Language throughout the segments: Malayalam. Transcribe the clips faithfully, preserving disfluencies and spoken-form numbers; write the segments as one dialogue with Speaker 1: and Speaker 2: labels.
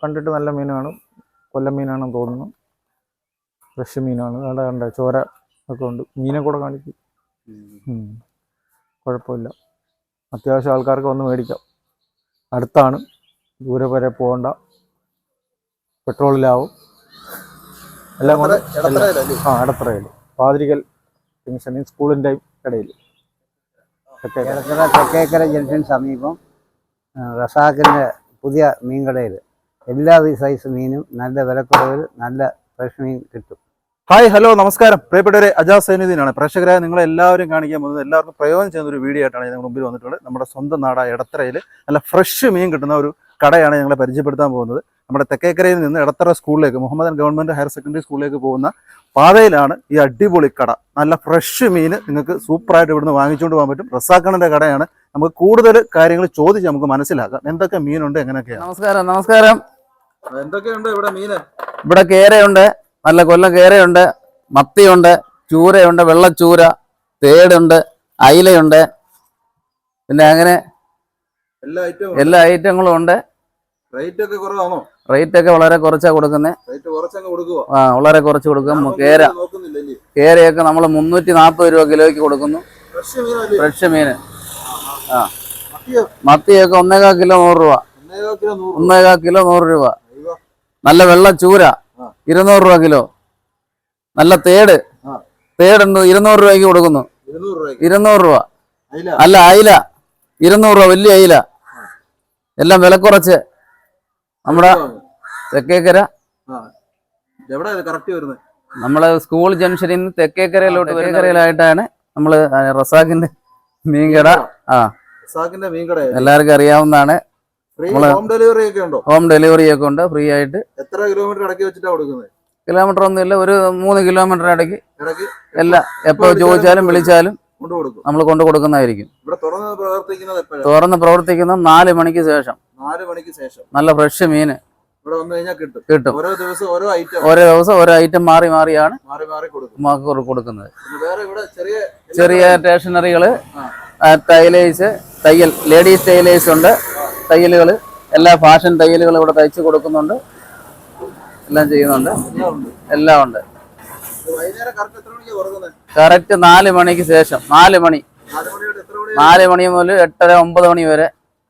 Speaker 1: കണ്ടിട്ട് നല്ല മീനാണ്. കൊല്ലം മീനാണെന്ന് തോന്നുന്നു. ഫ്രഷ് മീനാണ്. അവിടെ കണ്ട ചോര ഒക്കെ ഉണ്ട്. മീനെ കൂടെ കാണിക്കും. കുഴപ്പമില്ല. അത്യാവശ്യം ആൾക്കാർക്ക് വന്ന് മേടിക്കാം. അടുത്താണ്, ദൂരെ വരെ പോകണ്ട. പെട്രോളിലാവും എല്ലാം കൊണ്ട്. ആ എടത്തറയിൽ പാതിരിക്കൽ ജംഗ്ഷനിൽ സ്കൂളിൻ്റെ ഇടയിൽ
Speaker 2: എടത്തറ തെക്കേക്കര ജംഗ്ഷൻ സമീപം റസാഖിൻ്റെ പുതിയ മീൻ കടയിൽ എല്ലാ സൈസ് മീനും നല്ല വിലക്കുറവിൽ നല്ല ഫ്രഷ് മീൻ കിട്ടും.
Speaker 3: ഹായ്, ഹലോ, നമസ്കാരം. പ്രിയപ്പെട്ടവരെ, അജാസ് സൈനുദ്ദീനാണ്. പ്രേക്ഷകരായ നിങ്ങളെ എല്ലാവരും കാണിക്കാൻ പോകുന്നത്, എല്ലാവർക്കും പ്രയോജനം ചെയ്യുന്ന ഒരു വീഡിയോ ആയിട്ടാണ് ഞങ്ങൾ മുമ്പിൽ വന്നിട്ടുള്ളത്. നമ്മുടെ സ്വന്തം നാടായ എടത്തറയിൽ നല്ല ഫ്രഷ് മീൻ കിട്ടുന്ന ഒരു കടയാണ് ഞങ്ങളെ പരിചയപ്പെടുത്താൻ പോകുന്നത്. നമ്മുടെ തെക്കേക്കരയിൽ നിന്ന് എടത്തറ സ്കൂളിലേക്ക്, മുഹമ്മദൻ ഗവൺമെൻറ് ഹയർ സെക്കൻഡറി സ്കൂളിലേക്ക് പോകുന്ന പാതയിലാണ് ഈ അടിപൊളി കട. നല്ല ഫ്രഷ് മീൻ നിങ്ങൾക്ക് സൂപ്പറായിട്ട് ഇവിടുന്ന് വാങ്ങിച്ചുകൊണ്ട് പോകാൻ പറ്റും. റസാഖിൻ്റെ കടയാണ്. നമുക്ക് കൂടുതൽ കാര്യങ്ങൾ ചോദിച്ച് നമുക്ക് മനസ്സിലാക്കാം എന്തൊക്കെ മീനുണ്ട്, എങ്ങനെയൊക്കെയാണ്.
Speaker 4: നമസ്കാരം. നമസ്കാരം.
Speaker 3: എന്തൊക്കെയുണ്ട് ഇവിടെ മീന്?
Speaker 4: ഇവിടെ കേരയുണ്ട്, നല്ല കൊല്ലം കേരയുണ്ട്, മത്തിയുണ്ട്, ചൂരയുണ്ട്, വെള്ളച്ചൂര, തേടുണ്ട്, അയിലയുണ്ട്, പിന്നെ അങ്ങനെ
Speaker 3: എല്ലാ ഐറ്റവും
Speaker 4: എല്ലാ ഐറ്റങ്ങളും ഉണ്ട്.
Speaker 3: റേറ്റ് ഒക്കെ കുറവാണോ?
Speaker 4: റേറ്റ് ഒക്കെ വളരെ കുറച്ചാ കൊടുക്കുന്നത്.
Speaker 3: റേറ്റ് കുറച്ചങ്ങ് കൊടുക്കുവോ?
Speaker 4: ആ, വളരെ കുറച്ച് കൊടുക്കും. കേര കേരയൊക്കെ നമ്മൾ മുന്നൂറ്റി നാൽപ്പത് രൂപ കിലോയ്ക്ക് കൊടുക്കുന്നു. ഫ്രഷ് മീന്. ആ, മത്തിയൊക്കെ ഒന്നേകാൽ കിലോ നൂറ് രൂപ. ഒന്നേകാൽ കിലോ നൂറ് രൂപ. നല്ല വെള്ള ചൂര ഇരുന്നൂറ് രൂപ കിലോ. നല്ല തേട് തേടുണ്ട് ഇരുന്നൂറ് രൂപയ്ക്ക് കൊടുക്കുന്നു. ഇരുന്നൂറ് രൂപ. അല്ല, അയില ഇരുന്നൂറ് രൂപ, വലിയ അയില. എല്ലാം വില കുറച്ച് നമ്മുടെ തെക്കേക്കര, നമ്മളെ സ്കൂൾ ജംഗ്ഷനിൽ നിന്ന് തെക്കേക്കരയിലോട്ട് തെക്കേക്കരയിലായിട്ടാണ് നമ്മള് റസാഖിന്റെ മീൻകട. ആ, എല്ലാവർക്കും അറിയാവുന്നതാണ്.
Speaker 3: ഹോം ഡെലിവറി ഒക്കെ ഉണ്ടോ?
Speaker 4: ഹോം ഡെലിവറി ഒക്കെ ഉണ്ട്, ഫ്രീ ആയിട്ട്.
Speaker 3: എത്ര കിലോമീറ്റർ ഇടയ്ക്ക് വെച്ചിട്ടാ കൊടുക്കുന്നത്?
Speaker 4: കിലോമീറ്റർ ഒന്നുമില്ല, ഒരു മൂന്ന് കിലോമീറ്റർ ഇടയ്ക്ക് എല്ലാം എപ്പോ ചോദിച്ചാലും വിളിച്ചാലും നമ്മൾ കൊണ്ടു കൊടുക്കുന്നതായിരിക്കും. തുറന്ന് പ്രവർത്തിക്കുന്ന നാല് മണിക്ക് ശേഷം.
Speaker 3: നാല് മണിക്ക് ശേഷം
Speaker 4: നല്ല ഫ്രഷ് മീന്
Speaker 3: ഇവിടെ വന്നു കഴിഞ്ഞാൽ കിട്ടും.
Speaker 4: കിട്ടും.
Speaker 3: ഓരോ ദിവസം ഓരോ ഐറ്റം
Speaker 4: ഓരോ ദിവസം ഓരോ ഐറ്റം മാറി മാറിയാണ്
Speaker 3: മാറി മാറി കൊടുക്കും
Speaker 4: കൊടുക്കുന്നത്.
Speaker 3: വേറെ ഇവിടെ ചെറിയ
Speaker 4: ചെറിയ സ്റ്റേഷനറികള്, ടൈലേഴ്സ്, തയ്യൽ, ലേഡീസ് ടൈലേഴ്സ് ഉണ്ട്, തയ്യലുകൾ, എല്ലാ ഫാഷൻ തയ്യലുകൾ ഇവിടെ തയ്ച്ച് കൊടുക്കുന്നുണ്ട്. എല്ലാം ചെയ്യുന്നുണ്ട്, എല്ലാം ഉണ്ട്. കറക്റ്റ് നാല് മണിക്ക് ശേഷം. നാല് മണി നാല് മണി മുതൽ എട്ടര ഒമ്പത് മണി വരെ.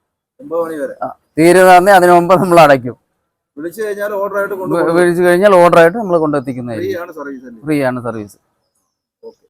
Speaker 4: തീരുന്ന അതിന് മുമ്പ് നമ്മൾ അടയ്ക്കും.
Speaker 3: വിളിച്ചു കഴിഞ്ഞാൽ ഓർഡർ ആയിട്ട്
Speaker 4: വിളിച്ചു കഴിഞ്ഞാൽ ഓർഡർ ആയിട്ട് നമ്മൾ കൊണ്ടെത്തിക്കുന്നതായിരിക്കും. ഫ്രീ ആണ് സർവീസ്.